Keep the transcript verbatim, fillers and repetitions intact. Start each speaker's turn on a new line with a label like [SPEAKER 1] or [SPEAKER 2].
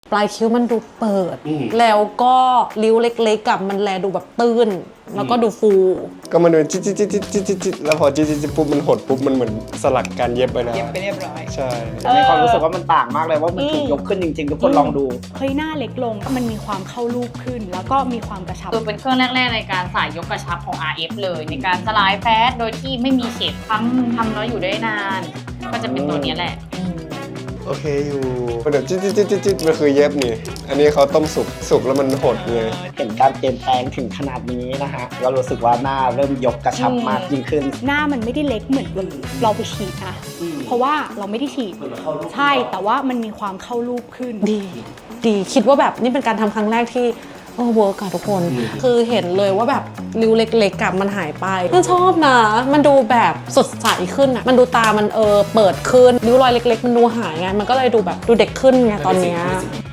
[SPEAKER 1] ปลายคิ้วมันดูเปิดแล้วก็ริ้วเล็กๆกับมันแลดูแบบตื้นแล้วก็ดูฟู
[SPEAKER 2] ก็มันเป็นจิ๊ดจิ๊ดจิ๊ดจิ๊ดจิ๊ดจิ๊ดแล้วพอจิ๊ดจิ๊ดจิ๊ดปุ๊บมันหดปุ๊บมันเหมือนสลักการเย็บไปนะ
[SPEAKER 3] เย็บไปเรียบร้อย
[SPEAKER 2] ใช่
[SPEAKER 4] มีความรู้สึกว่ามันต่างมากเลยว่ามันถูกยกขึ้นจริงๆทุกคนลองดู
[SPEAKER 3] เฮ้ยหน้าเล็กลงมันมีความเข้ารูปขึ้นแล้วก็มีความกระชับ
[SPEAKER 5] คือเป็นเครื่องแรกๆในการสายยกกระชับของ อาร์ เอฟ เลยในการสลายแฟตโดยที่ไม่มีเฉดครั้งทำแล้วอยู่ได้นานก็จะเป็นตัวนี้แหละ
[SPEAKER 2] โอเคอยู่เดี๋ยวจิ๊ดจิ๊ดจิ๊ดจิ๊ดมันคือเย็บนี่อันนี้เขาต้มสุกสุกแล้วมันหดไง
[SPEAKER 4] เห็นการเปลี่ยนแปลงถึงขนาดนี้นะฮะก็รู้สึกว่าหน้าเริ่มยกกระชับมากยิ่งขึ้น
[SPEAKER 3] หน้ามันไม่ได้เล็กเหมือนเราไปฉีดนะเพราะว่าเราไม่ได้ฉีดใช่แต่ว่ามันมีความเข้ารูปขึ้น
[SPEAKER 1] ดีดีคิดว่าแบบนี่เป็นการทำครั้งแรกที่โอ้เวิร์กอะทุกคนคือเห็นเลยว่าแบบริ้วเล็กๆกับมันหายไปมันชอบนะมันดูแบบสดใสขึ้นอะมันดูตามันเออเปิดขึ้นริ้วรอยเล็กๆมันดูหายไงมันก็เลยดูแบบดูเด็กขึ้นไงตอนเนี้ย